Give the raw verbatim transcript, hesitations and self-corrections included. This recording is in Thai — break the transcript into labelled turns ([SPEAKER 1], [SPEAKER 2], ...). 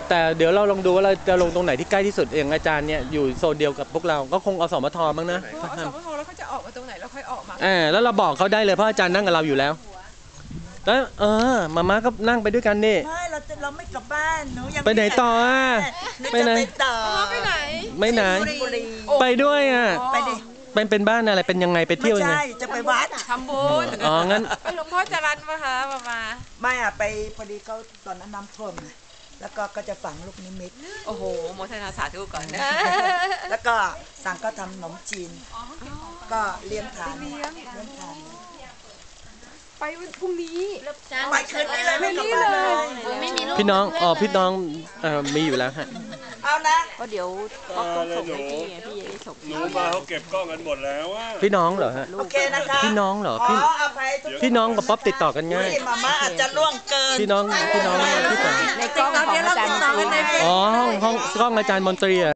[SPEAKER 1] แต่เดี๋ยวเราลองดูว่าเราจะลงตรงไหนที่ใกล้ที่สุดอย่างอาจารย์เนี่ยอยู่โซนเดียวกับพวกเราก็คงอสมทบ้างนะ
[SPEAKER 2] อสมทแล้วเขาจะออกมาตรงไหนแล้วค่อยออกมา
[SPEAKER 1] อ่าแล้วเราบอกเขาได้เลยเพราะอาจารย์นั่งกับเราอยู่แล้วแล้วเออมาม่าก็นั่งไปด้วยกันนี่
[SPEAKER 3] ไม่เราจะเราไม่กลับบ้านหนูยัง
[SPEAKER 1] ไปไหนต่ออ่ะ
[SPEAKER 3] ไปไหนต่อ
[SPEAKER 2] ไปไหน
[SPEAKER 1] ไม่ไหนไปด้วยอ่ะ
[SPEAKER 3] ไปดิ
[SPEAKER 1] เป็นเป็นบ้านอะไรเป็นยังไงไปเที่ยวยังไง
[SPEAKER 3] ไม่ใช่จะไปวัด
[SPEAKER 2] ทำบุญ
[SPEAKER 1] อ๋องั้น
[SPEAKER 2] ไปหลวงพ่อจรัญมาคะมามา
[SPEAKER 3] ไม่อ่ะไปพอดีเขาตอนนั้นน้ำท่วมแล้วก็ก็จะฝังลูกนิมิต
[SPEAKER 2] โอ้โหโมทนาสาธุก่อนนะ
[SPEAKER 3] แล้วก็สั่งก็ทำขนมจีนก็เลี้ยงทานเลี้ยงทาน
[SPEAKER 2] ไปพรุ่งนี้
[SPEAKER 3] ไปคืนนี้เลยไม่กลับบ้านเลย
[SPEAKER 4] ไม่มีลูก
[SPEAKER 1] พี่น้องอ๋อพี่น้องเอ่อมีอยู่แล้วฮะ
[SPEAKER 3] เอานะ
[SPEAKER 2] ก็เดี๋ยวก็ต้องส่งให้พี่ไงพี่จะได้ส่ง
[SPEAKER 5] หนูมาเขาเก็บกล้องกันหมดแล้วว่า
[SPEAKER 1] พี่น้องเหรอฮะ
[SPEAKER 3] โอเคนะคะ
[SPEAKER 1] พี่น้องเหรอพี่พี่น้องกับป๊อปติดต่อกันง่าย
[SPEAKER 3] มาม่าอาจจะล่วงเกิน
[SPEAKER 1] พี่น้องพี่น้องพี่สาว
[SPEAKER 2] ในกล้องของอาจารย์มนตรี
[SPEAKER 1] อ๋อห้องห้องกล้องอาจารย์มนตรี